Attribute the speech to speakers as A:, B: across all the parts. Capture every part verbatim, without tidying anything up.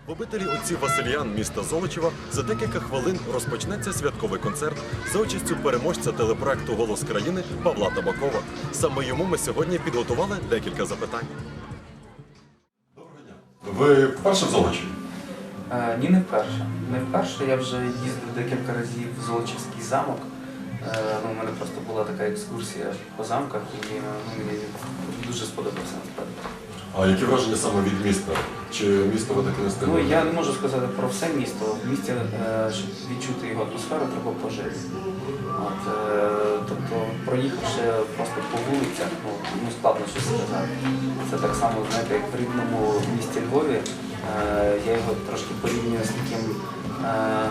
A: В обителі отців Василіян міста Золочева за декілька хвилин розпочнеться святковий концерт за участю переможця телепроекту «Голос країни» Павла Табакова. Саме йому ми сьогодні підготували декілька запитань. Доброго дня. Ви вперше в Золочеві?
B: Е, ні, не вперше. Не вперше. Я вже їздив декілька разів в Золочівський замок. Е, ну, у мене просто була така екскурсія по замках і ну, мені дуже сподобався насправді.
A: А які враження саме від міста? Чи місто ви таки не встигли?
B: Ну, я не можу сказати про все місто. В місті, е, щоб відчути його атмосферу, треба пожити. От, е, тобто, проїхавши просто по вулицях, ну, ну складно щось сказати. Це так само, знаєте, як в рідному місті Львові. Е, я його трошки порівнюю з таким е,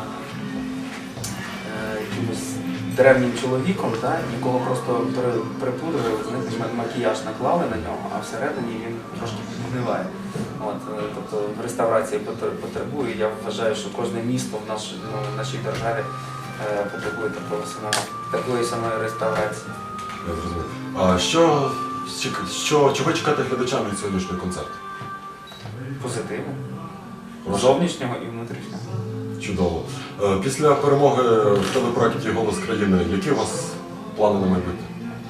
B: е, якимось древнім чоловіком, да, якого просто припудрили, знаєте, макіяж наклали на нього, а всередині він трошки підгниває. От, тобто реставрація потребує. Я вважаю, що кожне місто в, наш, ну, в нашій державі е, потребує такого самого, такої самої реставрації.
A: Я зрозумів. А що, що, чого чекати глядачам від сьогоднішнього концерту?
B: Позитиву.
A: Прошу.
B: Зовнішнього і внутрішнього.
A: Чудово. Після перемоги в телепроекті «Голос країни» які у вас плани на майбутнє?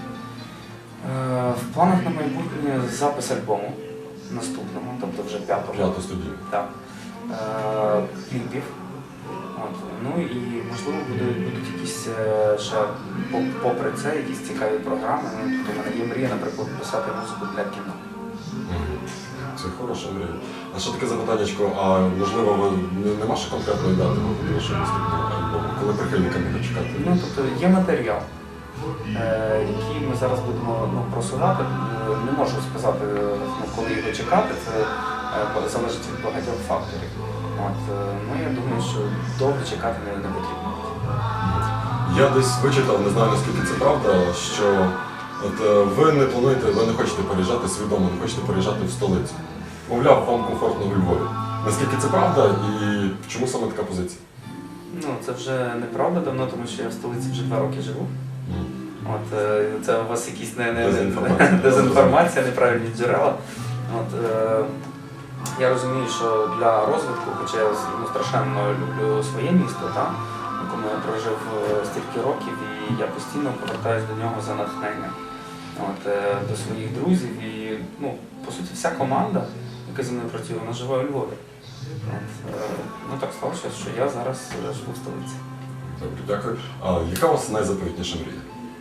B: В планах на майбутнє запис альбому наступного, тобто вже п'ятого.
A: П'яту студію.
B: Так. Кліпів. От. Ну і можливо будуть, будуть якісь ще, попри це, якісь цікаві програми. Ну, тобто в мене є мрія, наприклад, писати музику для кіно.
A: Це хороша мрія. А ще таке запитаннячко, а можливо ви нема ще конкретної дати до вашого наступного альбому, коли прихильникам його чекати?
B: Ну, тобто є матеріал, е, який ми зараз будемо ну, просувати. Не можу сказати, ну, коли його чекати, це е, залежить від багатьох факторів. От, е, ну, я думаю, що довго чекати не, не потрібно.
A: Я десь вичитав, не знаю наскільки це правда, що от, ви не плануєте, ви не хочете переїжджати свідомо, не хочете переїжджати в столицю. Мовляв, вам комфортно у Львові. Наскільки це правда і чому саме така позиція?
B: Ну, це вже неправда давно, тому що я в столиці вже два роки живу.
A: Mm.
B: От, це у вас якісь не, не,
A: дезінформація,
B: дезінформація, неправильні джерела. От, е, я розумію, що для розвитку, хоча я ну, страшенно люблю своє місто, та, в якому я прожив стільки років, і я постійно повертаюся до нього за натхненням. От, е, до своїх друзів і, ну, по суті, вся команда, яка зі мною працює, вона живе у Львові. От, е, ну так сталося, що я зараз живу в столиці.
A: Добре, дякую. А яка у вас найзаповітніша мрія?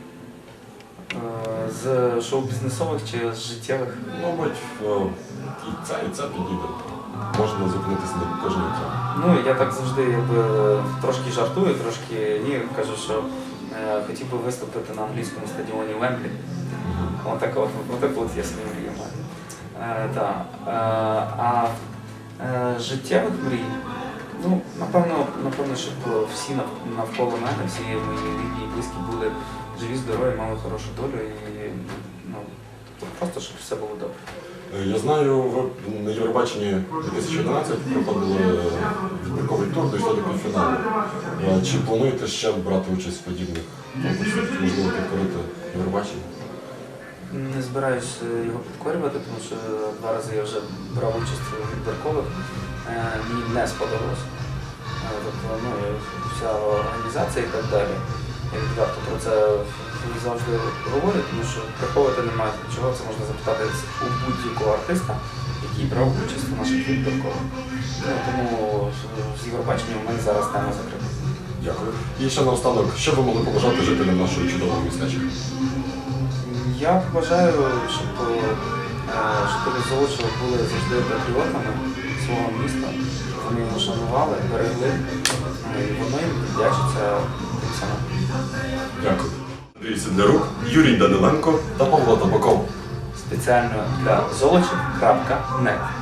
B: Е, з шоу-бізнесових чи з життєвих?
A: Мабуть, і це, і це підійде. Можна зупинитися на кожній окремі.
B: Ну, я так завжди якби, трошки жартую, трошки ні, кажу, що е, хотів би виступити на англійському стадіоні Вемблі. Mm-hmm. Отак от, отак от я свою мрію маю. Е, да. е, а е, життєвих мрій, ну, напевно, напевно, щоб всі навколо мене, всі мої рідні і близькі були живі, здорові, мали хорошу долю і ну, просто, щоб все було добре.
A: Я знаю, ви на Євробаченні дві тисячі одинадцять проходили відбірковий тур, дійшли до півфіналу. Чи плануєте ще брати участь в подібних конкурсах? Можливо, підкорити Євробачення?
B: Не збираюсь його підкорювати, тому що два рази я вже брав участь у відбіркових. Мені не сподобалося. Тобто, ну, вся організація і так далі. Я відверто про це завжди говорю, тому що приховувати немає чого, це можна запитати у будь-якого артиста, який брав участь у наших відбіркових. Ну, тому з Євробаченням у мене зараз тема закрита.
A: Дякую. І ще наостанок, що ви могли побажати жителям нашого чудового містечка?
B: Я бажаю, щоб жителі Золочева були завжди патріотами свого міста, вони його шанували, берегли, і воно їм вдячиться тим самим.
A: Дякую. Андрій Сідлярук, Юрій Даниленко та Павло Табаков.
B: Спеціально для золочів крапка нет.